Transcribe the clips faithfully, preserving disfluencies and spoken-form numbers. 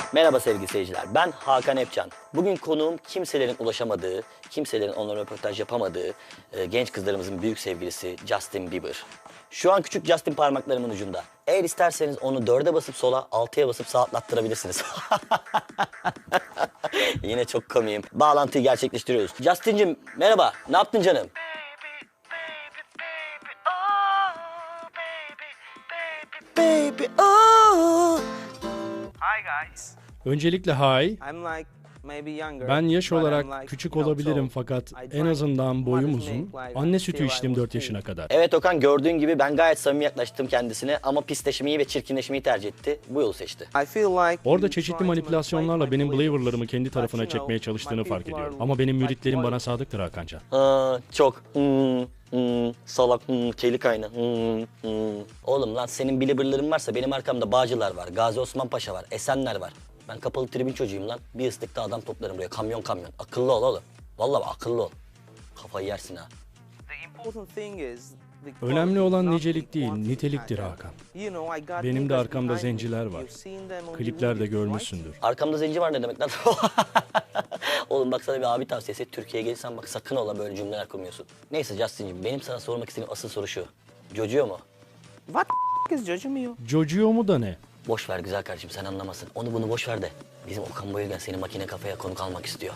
Merhaba sevgili seyirciler, ben Hakan Epcan. Bugün konuğum kimselerin ulaşamadığı, kimselerin onlara röportaj yapamadığı e, genç kızlarımızın büyük sevgilisi Justin Bieber. Şu an küçük Justin parmaklarımın ucunda. Eğer isterseniz onu dörde basıp sola, altıya basıp sağa atlattırabilirsiniz. Yine çok komiyim. Bağlantıyı gerçekleştiriyoruz. Justin'cim merhaba, ne yaptın canım? Baby, oh. Hi guys. Öncelikle hi. I'm like maybe younger. Ben yaş but I'm olarak like, küçük you know, olabilirim so fakat I en drank azından boyum mother's uzun. milk like Anne till sütü I içtim was dört three. yaşına kadar. Evet Okan, gördüğün gibi ben gayet samimi yaklaştım kendisine ama pisleşmeyi ve çirkinleşmeyi tercih etti. Bu yolu seçti. I feel like Orada you çeşitli try to manipülasyonlarla manipulate benim my beliefs. believer'larımı kendi But tarafına you know, çekmeye çalıştığını my fark people ediyorum. are Ama benim like müritlerim loyal. bana sadıktır Hakancan. Aa, çok hmm, hmm, salak, hmm, çelik aynı. Hmm, hmm. Oğlum lan senin bilibirlerin varsa benim arkamda Bağcılar var, Gazi Osman Paşa var, Esenler var. Ben kapalı tribün çocuğuyum lan. Bir ıslıkta adam toplarım buraya, kamyon kamyon. Akıllı ol oğlum. Vallahi bak, akıllı ol. Kafayı yersin ha. The important thing is the Önemli quality, olan not nicelik the değil, quantity, niteliktir Hakan. Hakan. You know, I got Benim de niggas arkamda behind me. zenciler var. You've seen them on the Kliplerde movies, right? görmüşsündür. Arkamda zenci var ne demek lan? Oğlum bak sana bir abi tavsiyesi. Türkiye'ye gelirsen bak sakın ola böyle cümleler kurmuyorsun. Neyse Justin'cim, benim sana sormak istediğim asıl soru şu. Jojo mu? What the is judging me? Jojo mu da ne? Boş ver güzel kardeşim, sen anlamasın. Onu bunu boş ver de. Bizim Okan Bayülgen seni makine kafaya konuk almak istiyor.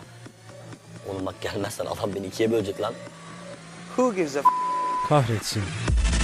Oğlum bak gelmezsen adam beni ikiye bölecek lan. Who gives a f- Kahretsin.